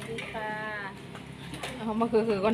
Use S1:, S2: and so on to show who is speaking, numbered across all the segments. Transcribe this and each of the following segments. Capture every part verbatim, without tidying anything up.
S1: ดีค่ะเอามาคือคือก่อน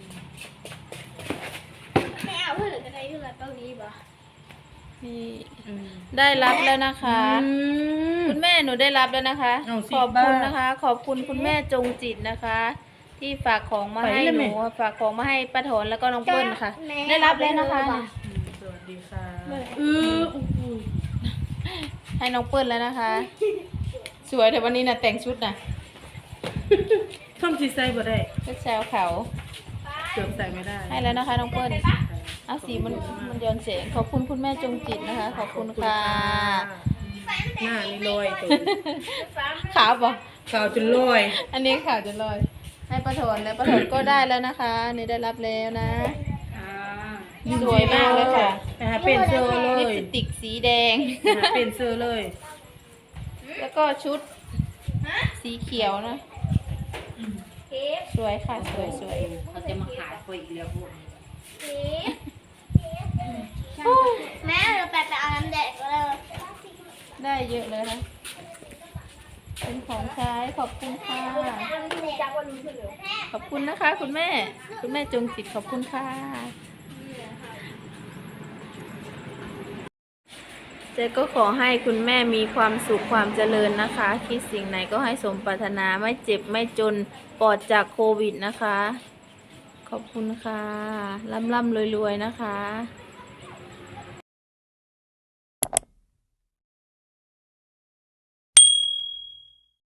S2: ไม่เอาเพื่อนหรือจะได้เพื่อนตรงนี้บ่
S1: นี่ได้รับแล้วนะคะคุณแม่หนูได้รับแล้วนะคะขอบคุณนะคะ ขอบคุณคุณแม่จงจิตนะคะ ที่ฝากของมาให้หนูฝากของมาให้ป้าถอนแล้วก็น้องเปิ้ลนะคะได้รับแล้วนะคะ
S3: สวัสดีค่ะ
S1: เออให้น้องเปิ้ลแล้วนะคะ สวยแต่วันนี้นะแต่งชุดนะ
S3: ท่อมสีใส่บ่ได้
S1: ชุดแซวเขา
S3: เกือบใส่ไม่ได้
S1: ให้แล้วนะคะน้องเปิ้ลเอาสีมันมันย้อนแสงขอบคุณคุณแม่จงจิตนะคะ ขอบคุณค่ะ
S3: หน้านี่ลอยตัว
S1: ขาวปะ
S3: ขาวจนลอย
S1: อันนี้ขาวจนลอยให้ป้าถอนแล้วป้าถอนก็ได้แล้วนะคะนี่ได้รับแล้วนะสวยมากเลยค่ะ
S3: ไปหาเป็นเซอร์เลย
S1: ลิปสติกสีแดง
S3: หาเป็นเซอร์เลย
S1: แล้วก็ชุดสีเขียวนะสวยค่ะสวยสวย
S4: เขาจะมาขายไปอีกแล้วพวก
S2: แม่เราไปไปเอาน้ำแดงก็เลย
S1: ได้เยอะเลยนะเป็นของใช้ขอบคุณค่ะขอบคุณนะคะ คุณแม่คุณแม่จงจิตขอบคุณค่ะเจ๊ก็ขอให้คุณแม่มีความสุขความเจริญนะคะคิดสิ่งไหนก็ให้สมปรารถนาไม่เจ็บไม่จนปลอดจากโควิดนะคะขอบคุณค่ะร่ำร่ำรวยๆนะคะ